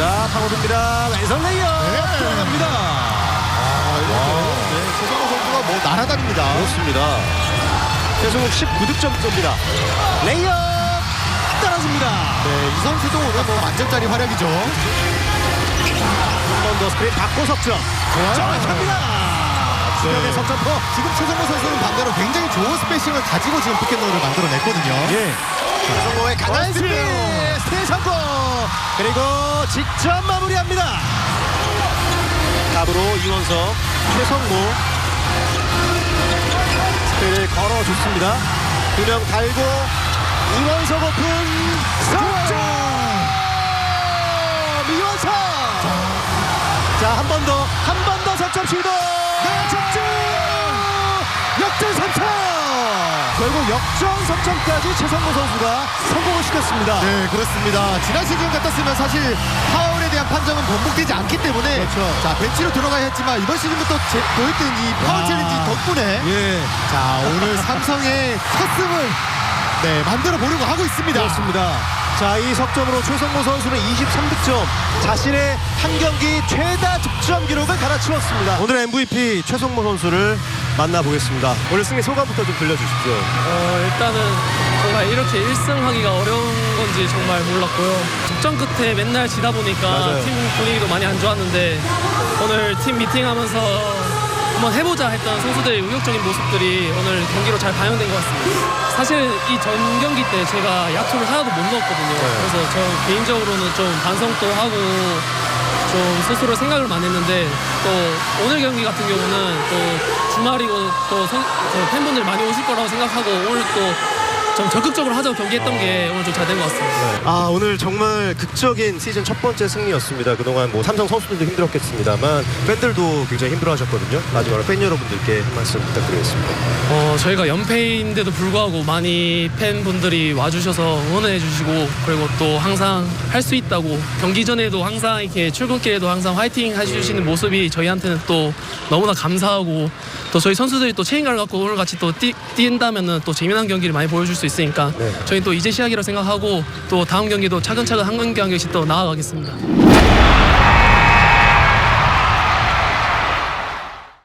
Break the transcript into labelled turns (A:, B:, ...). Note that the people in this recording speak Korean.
A: 자, 파고듭니다. 왼손 레이업 들어갑니다.
B: 최성호 선수가 뭐 날아다닙니다.
A: 그렇습니다. 최성욱 19득점입니다. 레이업 떨어집니다.
B: 네, 이 선수도 오늘 뭐 만점짜리 활약이죠.
A: 한 번 더 스크린 받고 석점. 정확합니다. 주변의 석점포.
B: 지금 최성호 선수는 반대로 굉장히 좋은 스페이싱을 가지고 지금 피켓롤을 만들어냈거든요.
A: 예. 최성호의 강한 수비. 스틸 성공. 그리고 직접 마무리합니다. 탑으로 이원석, 최성모. 스크린을 걸어줬습니다. 두 명 달고 이원석 오픈 석점. 이원석. 자, 한 번 더 석점 시도. 석점. 역전 3점. 결국 역전 석점까지 최성모 선수가 성공을 시켰습니다.
B: 네, 그렇습니다. 지난 시즌 같았으면 사실 파울에 대한 판정은 번복되지 않기 때문에
A: 그렇죠.
B: 자, 벤치로 들어가야 했지만 이번 시즌부터 보였던 이 파울 챌린지 덕분에
A: 예.
B: 자, 오늘 삼성의 첫 승을 네, 만들어 보려고 하고 있습니다.
A: 그렇습니다. 자, 이 석점으로 최성모 선수는 23득점, 자신의 한 경기 최다 득점 기록을 갈아치웠습니다. 오늘 MVP 최성모 선수를 만나보겠습니다. 오늘 승리 소감부터 좀 들려주십시오.
C: 일단은 정말 이렇게 1승하기가 어려운 건지 정말 몰랐고요. 적전 끝에 맨날 지다 보니까
A: 맞아요.
C: 팀 분위기도 많이 안 좋았는데 오늘 팀 미팅하면서 한번 해보자 했던 선수들의 의욕적인 모습들이 오늘 경기로 잘 반영된 것 같습니다. 사실 이 전 경기 때 제가 야투를 하나도 못 넣었거든요. 그래서 저 개인적으로는 좀 반성도 하고 좀 스스로 생각을 많이 했는데 또 오늘 경기 같은 경우는 또 주말이고 또 팬분들이 많이 오실 거라고 생각하고 오늘 또 좀 적극적으로 하자고 경기했던 게 오늘 좀 잘 된 것 같습니다.
A: 아, 오늘 정말 극적인 시즌 첫 번째 승리였습니다. 그동안 뭐 삼성 선수들도 힘들었겠습니다만 팬들도 굉장히 힘들어하셨거든요. 마지막으로 팬 여러분들께 한 말씀 부탁드리겠습니다.
C: 저희가 연패인데도 불구하고 많이 팬분들이 와주셔서 응원해 주시고 그리고 또 항상 할 수 있다고 경기 전에도 항상 이렇게 출근길에도 항상 화이팅 해주시는 모습이 저희한테는 또 너무나 감사하고 또 저희 선수들이 또 책임감을 갖고 오늘 같이 또 뛴다면은 또 재미난 경기를 많이 보여줄 수 있으니까 저희 또 이제 시작이라고 생각하고 또 다음 경기도 차근차근 한 경기 한 경기씩 또 나아가겠습니다.